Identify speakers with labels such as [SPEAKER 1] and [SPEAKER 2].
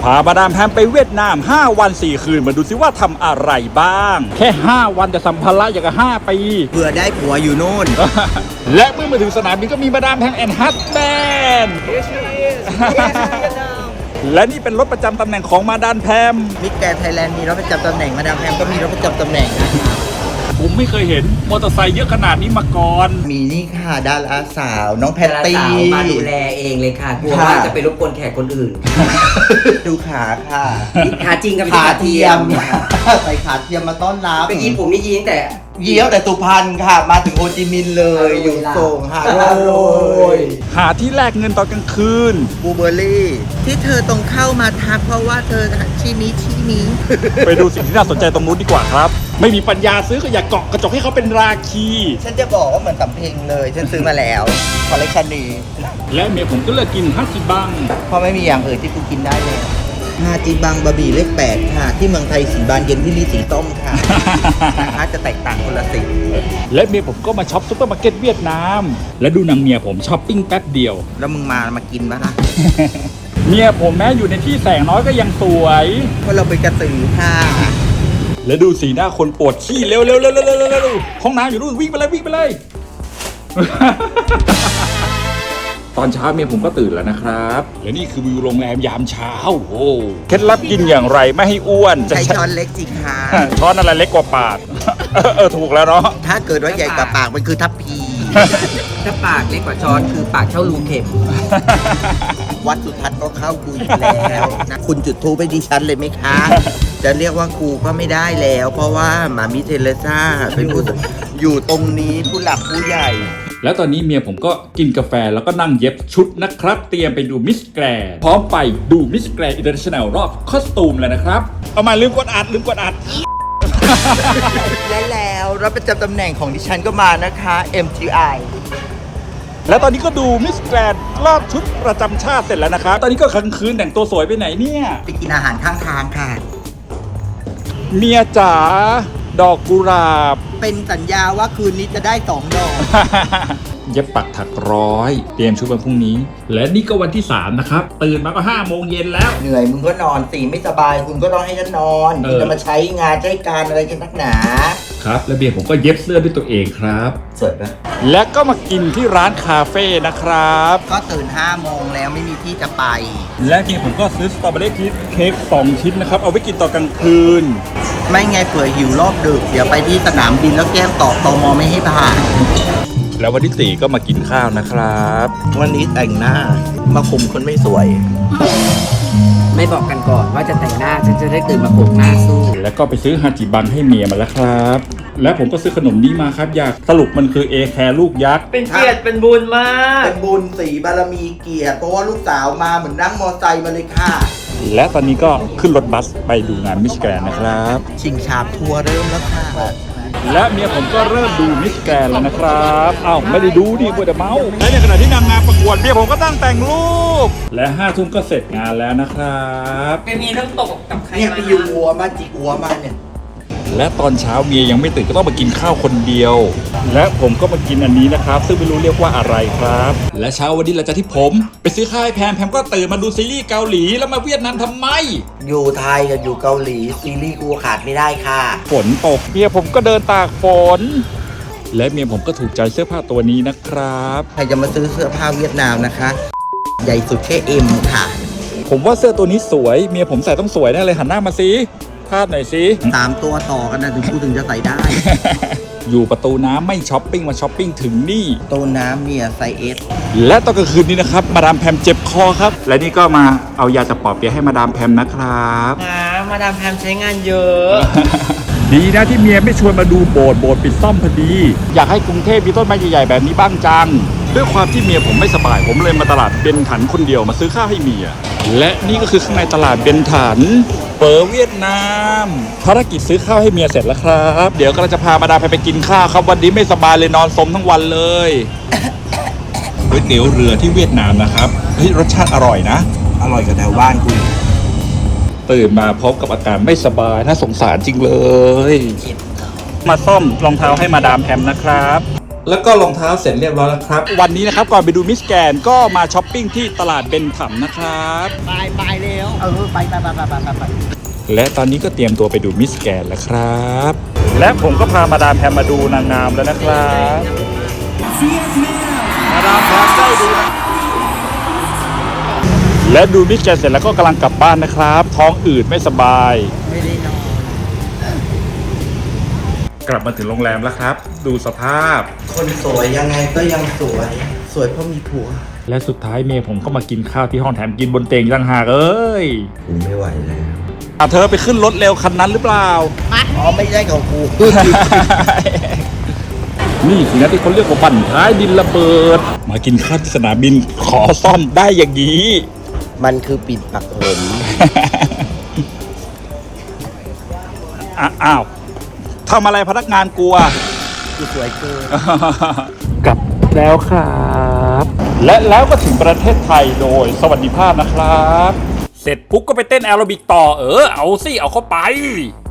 [SPEAKER 1] พามาดามแพมไปเวียดนาม5 วัน 4 คืนมาดูซิว่าทำอะไรบ้างแค่5 วันแต่สัมภาระอย่างกับ5 ปี
[SPEAKER 2] เผื่อได้ผัวอยู่นู่น
[SPEAKER 1] และเมื่อมาถึงสนามบินก็มีมาดามแพมแอนด์ฮัสแบนด์และนี่เป็นรถประจำตำแหน่งของมาดามแพม
[SPEAKER 2] มิสแกรนด์ไทยแลนด์มีรถประจำตำแหน่งมาดามแพมก็มีรถประจำตำแหน่ง
[SPEAKER 1] ผมไม่เคยเห็นมอเตอร์ไซค์เยอะขนาดนี้มาก่อน
[SPEAKER 2] มีนี่ค่ะดาราสาวน้องแพตตี้
[SPEAKER 3] มาดูแลเองเลยค่ะกลัวว่าจะไปรบกวนแขกคนอื่น
[SPEAKER 2] ดูขาค่ะ
[SPEAKER 3] ขาจริงกับ
[SPEAKER 2] ขาเทียมใส่ขาเทียมมาต้อนรับ
[SPEAKER 3] เมื่อกี้ผมนี่ยิงแต่
[SPEAKER 2] เยี่ยวแต่สุพรรณค่ะมาถึงโฮจิมินห์เลยอยู่ส่งหาโรย
[SPEAKER 1] หาที่แลกเงินตอนกลางคืน
[SPEAKER 2] บูเบอร์รี่ที่เธอต้องเข้ามาทักเพราะว่าเธอชี้นี้
[SPEAKER 1] ไปดูสิ่งที่น่าสนใจตรงนู้นดีกว่าครับไม่มีปัญญาซื้อก็อย่าเกาะกระจกให้เขาเป็นราคี
[SPEAKER 2] ฉันจะบอกว่าเหมือนสำเพ็งเลยฉันซื้อมาแล้วคอลเลคชันนี้
[SPEAKER 1] และเมียผมก็เลือกกินฮัจิบัง
[SPEAKER 2] เพราะไม่มีอย่างอื่นที่กูกินได้เลยฮาจิบังบะหมี่เลข8ค่ะที่เมืองไทยสีบานเย็นที่นี่สีต้มค่ะนะคะจะแตกต่างคนละสี
[SPEAKER 1] และเมียผมก็มาช็อปซุปเปอร์มาร์เก็ตเวียดนามและดูนางเมียผมช้อปปิ้งแป๊บเดียว
[SPEAKER 2] แล้วมึงมากินปะล่ะ
[SPEAKER 1] เมียผมแม้อยู่ในที่แสงน้อยก็ยังสวย
[SPEAKER 2] เพราะเราเป็นกระสือค่ะ
[SPEAKER 1] และดูสีหน้าคนปวดขี้เร็วห้องน้ำอยู่นู่นวิ่งไปเลยตอนเช้าเมียผมก็ตื่นแล้วนะครับและนี่คือวิวโรงแรมยามเช้าโอ้เคล็ดลับกินอย่างไรไม่ให้อ้วน
[SPEAKER 2] ใช้ช้อนเล็กจิค่ะ
[SPEAKER 1] ช้อนอะไรเล็กกว่าปากถูกแล้วเนาะ
[SPEAKER 2] ถ้าเกิดว่าใหญ่กว่าปากมันคือทัพพี
[SPEAKER 3] ถ้าปากเล็กกว่าช้อนคือปากเท่ารูเข็ม
[SPEAKER 2] วัดสุทัศน์ก็เข้ากูอีกแล้วนะคุณจุดทูปให้ดิฉันเลยไหมคะจะเรียกว่ากูก็ไม่ได้แล้วเพราะว่าหมามิเทเลซ่าเป็นผู้อยู่ตรงนี้ผู้หลักผู้ใหญ่
[SPEAKER 1] แล้วตอนนี้เมียผมก็กินกาแฟแล้วก็นั่งเย็บชุดนะครับเตรียมไปดูมิสแกรนด์พร้อมไปดูมิสแกรนด์อินเตอร์เนชั่นแนลรอบคอสตูมแล้วนะครับเอามาลืมกดอัด
[SPEAKER 2] และแล้วรถประจำตำแหน่งของดิฉันก็มานะคะ MTI
[SPEAKER 1] แล้วตอนนี้ก็ดูมิสแกรนด์รอบชุดประจำชาติเสร็จแล้วนะครับตอนนี้ก็กลางคืนแต่งตัวสวยไปไหนเนี่ย
[SPEAKER 2] ไปกินอาหารข้างทางค่ะ
[SPEAKER 1] เมียจ๋าดอกกุหลาบ
[SPEAKER 2] เป็นสัญญาว่าคืนนี้จะได้2 ดอก
[SPEAKER 1] เย็บปักถักร้อยเตรียมชุดวันพรุ่งนี้และนี่ก็วันที่3นะครับตื่นมาก็5 โมงเย็นแล้ว
[SPEAKER 2] เหนื่อยมึงก็นอนสิไม่สบายคุณก็ต้องให้ฉันนอนจะมาใช้งานใช้การอะไรกันนักหนา
[SPEAKER 1] ครับและเบียร์ผมก็เย็บเสื้อด้วยตัวเองครับ
[SPEAKER 2] สวยปะ
[SPEAKER 1] และก็มากินที่ร้านคาเฟ่นะครับ
[SPEAKER 2] ก็ตื่น5 โมงแล้วไม่มีที่จะไป
[SPEAKER 1] และเบียร์ผมก็ซื้อสตรอเบอรี่ชีสเค้ก2 ชิ้นนะครับเอาไว้กินตอนกลางคืน
[SPEAKER 2] ไม่ไงเผื่อหิวรอบดึกเดี๋ยวไปที่สนามบินแล้วแก้มตมไม่ให้ผ่าน
[SPEAKER 1] แล้ววันที่4ก็มากินข้าวนะครับ
[SPEAKER 2] วันนี้แต่งหน้ามาคุมคนไม่สวย
[SPEAKER 3] ไม่บอกกันก่อนว่าจะแต่งหน้าฉันจะได้ตื่นมาโขกหน้าสู้
[SPEAKER 1] แล้วก็ไปซื้อฮาจิบังให้เมียมาแล้วครับและผมก็ซื้อขนมนี้มาครับอยากสรุปมันคือเอแคร์ลูกยักษ์
[SPEAKER 3] เป็นเกียรติเป็นบุญมาก
[SPEAKER 2] เป็นบุญสีบารมีเกียรติเพราะว่าลูกสาวมาเหมือนนั่งมอไซค์มาเลยค่ะ
[SPEAKER 1] และตอนนี้ก็ขึ้นรถบัสไปดูงานมิสแกรนด์นะครับ
[SPEAKER 2] ชิงชาทัวร์เริ่มแล้วค่ะ
[SPEAKER 1] และเมียผมก็เริ่มดูมิสแกรนด์แล้วนะครับอ้าวไม่ได้ดูดิมัวแต่เมาและในขณะที่นางงามประกวดเมียผมก็ตั้งแต่งรูปและ5 ทุ่มก็เสร็จงานแล้วนะครับ
[SPEAKER 3] เป็นมีเรื่องตกกับใคร
[SPEAKER 2] เนี่ยไปอยู่หัวมาจิกหัวมาเนี่ย
[SPEAKER 1] และตอนเช้าเมียยังไม่ตื่นก็ต้องมากินข้าวคนเดียวและผมก็มากินอันนี้นะครับซึ่งไม่รู้เรียกว่าอะไรครับและเช้าวันนี้หลังจากที่ผมไปซื้อข้าวให้แพมก็ตื่นมาดูซีรีส์เกาหลีแล้วมาเวียดนามทำไม
[SPEAKER 2] อยู่ไทยกับอยู่เกาหลีซีรีส์กูขาดไม่ได้ค่ะ
[SPEAKER 1] ฝนตกเมียผมก็เดินตากฝนและเมียผมก็ถูกใจเสื้อผ้าตัวนี้นะครับ
[SPEAKER 2] ใครจะมาซื้อเสื้อผ้าเวียดนามนะคะใหญ่สุดแค่เอ็มค่ะ
[SPEAKER 1] ผมว่าเสื้อตัวนี้สวยเมียผมใส่ต้องสวยแน่เลยหันหน้ามาสิพาดหน่อยสิ
[SPEAKER 2] 3 ตัวต่อกันนะถึงกูถึงจะใส่ได้
[SPEAKER 1] อยู่ประตูน้ำไม่ช้อปปิ้งมาช้อปปิ้งถึงนี่
[SPEAKER 2] ประตูน้ำเนี่ยไซส์ S
[SPEAKER 1] และตอนกลางคืนนี้นะครับมาดามแพมเจ็บคอครับและนี่ก็มาเอายาจะปอบเปี๊ยะให้มาดามแพมนะครับ
[SPEAKER 3] มาดามแพมใช้งานเยอะ
[SPEAKER 1] ดีนะที่เมียไม่ชวนมาดูโบสถ์ปิดซ่อมพอดีอยากให้กรุงเทพมีต้นไม้ใหญ่ๆแบบนี้บ้างจังด้วยความที่เมียผมไม่สบายผมเลยมาตลาดเบนถันคนเดียวมาซื้อข้าวให้เมียและนี่ก็คือข้างในตลาดเบนถันเปิดเวียดนามภารกิจซื้อข้าวให้เมียเสร็จแล้วครับเดี๋ยวก็จะพามาดามไปกินข้าวครับวันนี้ไม่สบายเลยนอนสมทั้งวันเลยก๋วยเตี๋ยวเรือที่เวียดนามนะครับเฮ้ยรสชาติอร่อยนะ
[SPEAKER 2] อร่อยกว่าแถวบ้านคุณ
[SPEAKER 1] ตื่นมาพร้อมกับอาการไม่สบายน่าสงสารจริงเลยมาซ่อมรองเท้าให้มาดามแพมนะครับแล้วก็รองเท้าเสร็จเรียบร้อยแล้วครับ วันนี้นะครับก่อนไปดูมิสแกนก็มาช้อปปิ้งที่ตลาดเบนถัมนะครับ
[SPEAKER 3] ไปเร็วไป
[SPEAKER 1] และตอนนี้ก็เตรียมตัวไปดูมิสแกนแล้วครับ และผมก็พามาดามแพมมาดูนางงามแล้วนะครับมาดามแพมได้ดูนะและดูมิสแกนเสร็จแล้วก็กำลังกลับบ้านนะครับ ท้องอืดไม่สบาย
[SPEAKER 2] ไม่ได้นอน
[SPEAKER 1] กลับมาถึงโรงแรมแล้วครับ ดูสภาพ
[SPEAKER 2] คนสวยยังไงก็ยังสวย สวยเพราะมีผัว
[SPEAKER 1] และสุดท้ายเมย์ผมก็มากินข้าวที่ห้องแถมกินบนเตียงต่างหากเอ้ย
[SPEAKER 2] กูไม่ไหวแล้ว
[SPEAKER 1] เธอไปขึ้นรถเร็วคันนั้นหรือเปล่า
[SPEAKER 2] อ๋อไม่ใช่ของกู
[SPEAKER 1] นี่สินะที่เขาเรียกว่าบั่นท้ายดินระเบิด มากินข้าวที่สนามบินขอซ่อมได้อย่างนี้
[SPEAKER 2] มันคือปิดปักผม
[SPEAKER 1] อ้าวทำอะไรพนักงานกลัว
[SPEAKER 2] กูสวยเกิน
[SPEAKER 1] กลับแล้วครับ และแล้วก็ถึงประเทศไทยโดยสวัสดิภาพนะครับ เสร็จปุ๊บก็ไปเต้นแอโรบิกต่อเอาสิเอาเข้าไป